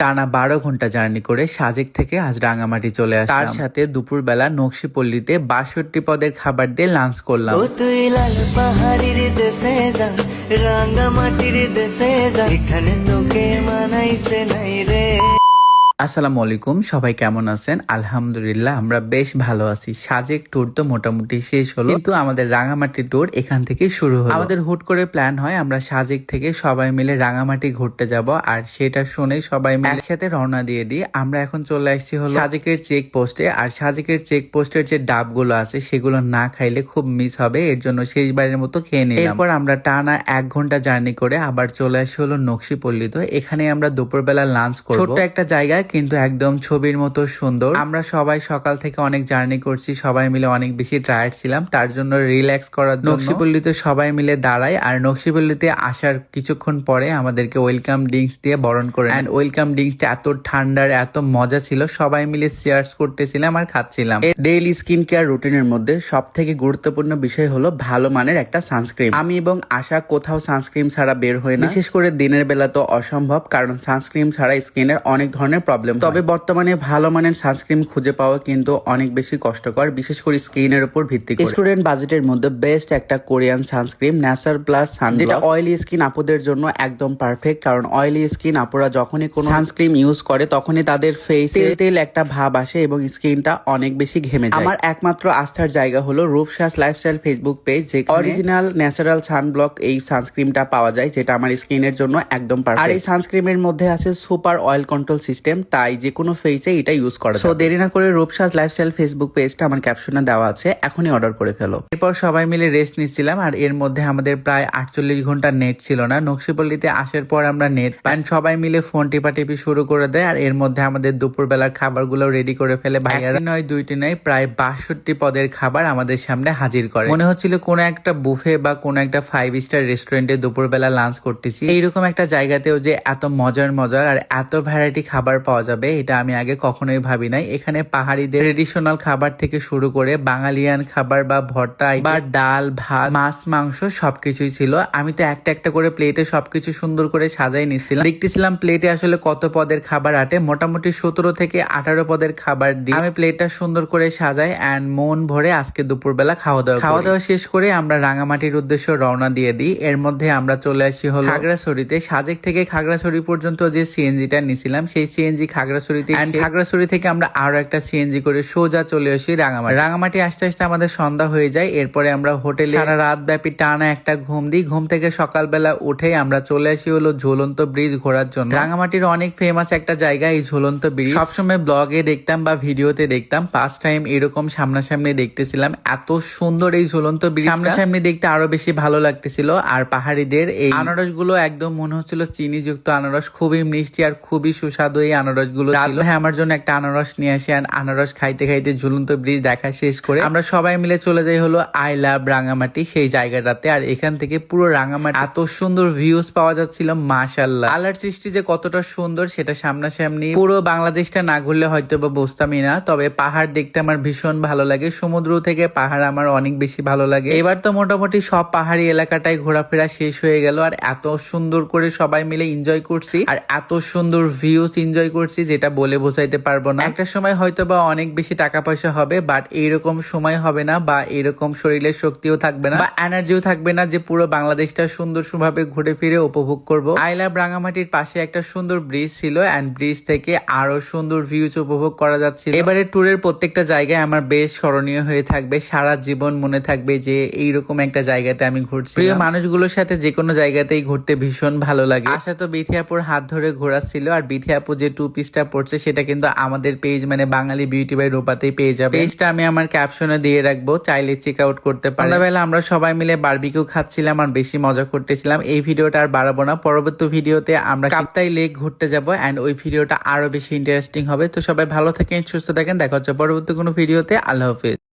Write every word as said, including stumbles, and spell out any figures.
টানা বারো ঘন্টা জার্নি করে সাজেক থেকে আজ রাঙামাটি চলে আসলাম। তার সাথে দুপুরবেলা নকশিপল্লিতে বাষট্টি পদের খাবার দিয়ে লাঞ্চ করলাম। ও তুই লাল পাহাড়ির দেশে যা, রাঙামাটির দেশে যা, এখানে তোকে মানাইছে নাই রে। আসসালামু আলাইকুম, সবাই কেমন আছেন? আলহামদুলিল্লাহ আমরা বেশ ভালো আছি। সাজেক ট্যুর তো মোটামুটি শেষ হলো, কিন্তু আমাদের রাঙামাটি ট্যুর এখান থেকে শুরু হলো। আমাদের হুট করে প্ল্যান হয় আমরা সাজেক থেকে সবাই মিলে রাঙামাটি ঘুরতে যাব, আর সেটা শুনে সবাই মিলে একসাথে রওনা দিয়ে দিই। আমরা এখন চলে আসছি হলো সাজেকের চেক পোস্টে, আর সাজেকের চেক পোস্টের যে ডাবগুলো আছে সেগুলো না খাইলে খুব মিস হবে, এর জন্য শেষবারের মতো খেয়ে নিলাম। এরপর আমরা টানা এক ঘন্টা জার্নি করে আবার চলে আসি হলো নকশিপল্লিতে। এখানে আমরা দুপুরবেলা লাঞ্চ করব। ছোট্ট একটা জায়গায় কিন্তু একদম ছবির মতো সুন্দর। আমরা সবাই সকাল থেকে অনেক জার্নি করছি, সবাই মিলে অনেক বেশি টায়ার্ড ছিলাম, তার জন্য রিল্যাক্স করার জন্য নকশিপল্লিতে সবাই মিলে দাঁড়াই। আর নকশিপল্লিতে আসার কিছুক্ষণ পরে আমাদেরকে ওয়েলকাম ড্রিঙ্কস দিয়ে বরণ করে। এন্ড ওয়েলকাম ড্রিঙ্কসটা এত ঠান্ডার এত মজা ছিল, সবাই মিলে শেয়ার্স করতেছিলাম আর খাচ্ছিলাম। ডেইলি স্কিন কেয়ার রুটিনের মধ্যে সব থেকে গুরুত্বপূর্ণ বিষয় হলো ভালো মানের একটা সানস্ক্রিন। আমি এবং আশা কোথাও সানস্ক্রিন ছাড়া বের হই না, বিশেষ করে দিনের বেলা তো অসম্ভব, কারণ সানস্ক্রিন ছাড়া স্কিনের অনেক ধরনের প্রবলেম। তবে বর্তমানে ভালো মানের সানস্ক্রিন খুঁজে পাওয়া কিন্তু অনেক বেশি কষ্টকর, বিশেষ করে স্কিনের উপর ভিত্তি করে। স্টুডেন্ট বাজেটের মধ্যে বেস্ট একটা Korean sunscreen nature plus sun, যেটা অয়েলি স্কিন আপুদের জন্য একদম পারফেক্ট। কারণ অয়েলি স্কিন আপুরা যখনই কোনো সানস্ক্রিন ইউজ করে তখনই তাদের ফেসে তেল তেল একটা ভাব আসে এবং স্কিনটা অনেক বেশি ঘেমে যায়। আমার একমাত্র আস্থার জায়গা হলো রূপসাজ লাইফস্টাইল ফেসবুক পেজ, যে অরিজিনাল ন্যাচারাল সানব্লক এই সানস্ক্রিনটা পাওয়া যায়, যেটা আমার স্কিনের জন্য একদম পারফেক্ট। আর এই সানস্ক্রিনের মধ্যে আছে সুপার অয়েল কন্ট্রোল সিস্টেম, তাই যে কোনো ফেসে এটা ইউজ করা যায়। সো দেরি না করে রূপসাজ লাইফস্টাইল ফেসবুক পেজটা আমার ক্যাপশনে দেওয়া আছে, এখনই অর্ডার করে ফেলো। এরপর সবাই মিলে রেস্ট নিচ্ছিলাম, আর এর মধ্যে আমাদের প্রায় আটচল্লিশ ঘন্টা নেট ছিল না। নকশিপল্লিতে আসার পর আমরা নেট পাই, সবাই মিলে ফোন টিপাটিপি শুরু করে দেয়। আর এর মধ্যে আমাদের দুপুরবেলার খাবারগুলো রেডি করে ফেলে ভাইয়ারা। নয় দুইটি নয়, প্রায় বাষট্টি পদের খাবার আমাদের সামনে হাজির করে। মনে হচ্ছিল কোনো একটা বুফে বা কোনো একটা ফাইভ স্টার রেস্টুরেন্টে দুপুরবেলা লাঞ্চ করতেছি। এইরকম একটা জায়গাতেও যে এত মজার মজার আর এত ভ্যারাইটি খাবার পাওয়া যাবে এটা আমি আগে কখনোই ভাবি নাই। এখানে পাহাড়িদের ট্রেডিশনাল খাবার থেকে শুরু করে বাঙালিয়ান খাবার বা ভর্তা বা ডাল ভাত মাছ মাংস সবকিছুই ছিল। আমি তো একটা একটা করে প্লেটে সবকিছু সুন্দর করে সাজাই নিচ্ছিলাম, দেখতেছিলাম প্লেটে আসলে কত পদের খাবার আটে। মোটামুটি সতেরো থেকে আঠারো পদের খাবার দিয়ে আমি প্লেটটা সুন্দর করে সাজাই অ্যান্ড মন ভরে আজকে দুপুরবেলা খাওয়া দাওয়া খাওয়া দাওয়া শেষ করে আমরা রাঙামাটির উদ্দেশ্যে রওনা দিয়ে দিই। এর মধ্যে আমরা চলে আসি হলো খাগড়াছড়িতে। সাজেক থেকে খাগড়াছড়ি পর্যন্ত যে সিএনজিটা নিছিলাম সেই সিএনজি খাগড়াছড়িতে, খাগড়াছড়ি থেকে আমরা আরো একটা সিএনজি করে সোজা চলে আসি রাঙামাটি। রাঙামাটি আসতে আসতে আমাদের সন্ধ্যা হয়ে যায়। এরপরে আমরা হোটেলে সারা রাত ব্যাপী টানা একটা ঘুম দিই। ঘুম থেকে সকালবেলা উঠে আমরা চলে আসি হলো ঝুলন্ত ব্রিজ ঘোরার জন্য। রাঙামাটির অনেক ফেমাস একটা জায়গা এই ঝুলন্ত ব্রিজ, সবসময় ব্লগে দেখতাম বা ভিডিওতে দেখতাম, ফার্স্ট টাইম এরকম সামনাসামনি দেখতেছিলাম। এত সুন্দর এই ঝুলন্ত ব্রিজ, সামনাসামনি দেখতে আরো বেশি ভালো লাগতেছিল। আর পাহাড়িদের এই আনারস গুলো একদম মনে হচ্ছিল চিনি যুক্ত আনারস, খুবই মিষ্টি আর খুবই সুস্বাদু এই আনারস গুলো ছিল। ভাই আমার জন্য একটা আনারস নিয়ে আসি, আর আনারস খাইতে খাইতে ঝুলন্ত ব্রিজ দেখা শেষ করে আমরা সবাই মিলে চলে যাই হলো আই লাভ রাঙামাটি সেই জায়গাটাতে। আর এখান থেকে পুরো রাঙামাটি এত সুন্দর ভিউজ পাওয়া যাচ্ছিল, মাশাআল্লাহ। আল্লাহর সৃষ্টি যে কতটা সুন্দর সেটা সামনাসামনি পুরো বাংলাদেশটা না ঘুরলে হয়তো বা বুঝতামই না। তবে পাহাড় দেখতে আমার ভীষণ ভালো লাগে, সমুদ্র থেকে পাহাড় আমার অনেক বেশি ভালো লাগে। এবার তো মোটামুটি সব পাহাড়ি এলাকাটাই ঘোরাফেরা শেষ হয়ে গেল, আর এত সুন্দর করে সবাই মিলে এনজয় করছি, আর এত সুন্দর ভিউজ এনজয় করছি যেটা বলে বোঝাইতে পারবো না। একটা সময় হয়তো বা অনেক বেশি টাকা পয়সা হবে, বাট এইরকম সময় হবে না, বা এরকম শরীরের শক্তিও থাকবে না বা এনার্জিও থাকবে না যে পুরো বাংলাদেশটা সুন্দর ভাবে ঘুরে ফিরে উপভোগ করবো। আই লাভ রাঙামাটির পাশে একটা সুন্দর ব্রিজ ছিল, এন্ড ব্রিজ থেকে আরো সুন্দর ভিউজ উপভোগ করা যাচ্ছিল। এবারে ট্যুরের প্রত্যেকটা জায়গায় আমার বেশ স্মরণীয় হয়ে থাকবে, সারা জীবন মনে থাকবে যে এইরকম একটা জায়গাতে আমি ঘুরছি। প্রিয় মানুষগুলোর সাথে যে কোনো জায়গাতেই ঘুরতে ভীষণ ভালো লাগে। আশা তো বিথিয়াপুর হাত ধরে ঘোরাচ্ছিল, আর বিথিয়াপু যে টু পিসটা পড়ছে সেটা কিন্তু আমাদের পেজ মানে বাঙালি বিউটি বাই রূপাতেই পেয়ে যাবে। পেজটা আমি আমার ক্যাপশনে দিয়ে রাখবো, চাইলে চেক আউট করতে পারেন। সন্ধ্যাবেলা আমরা সবাই মিলে বারবিকিউ খাচ্ছিলাম আর বেশি মজা করতেছিলাম। এই ভিডিওটা আর বাড়াবো না, পরবর্তী ভিডিওতে আমরা কাপ্তাই লেক ঘুরতে যাবো, এন্ড ওই ভিডিওটা আরো বেশি ইন্টারেস্টিং হবে। তো সবাই ভালো থাকেন, সুস্থ থাকেন, দেখা হচ্ছে পরবর্তী কোনো ভিডিওতে। আল্লাহ হাফেজ।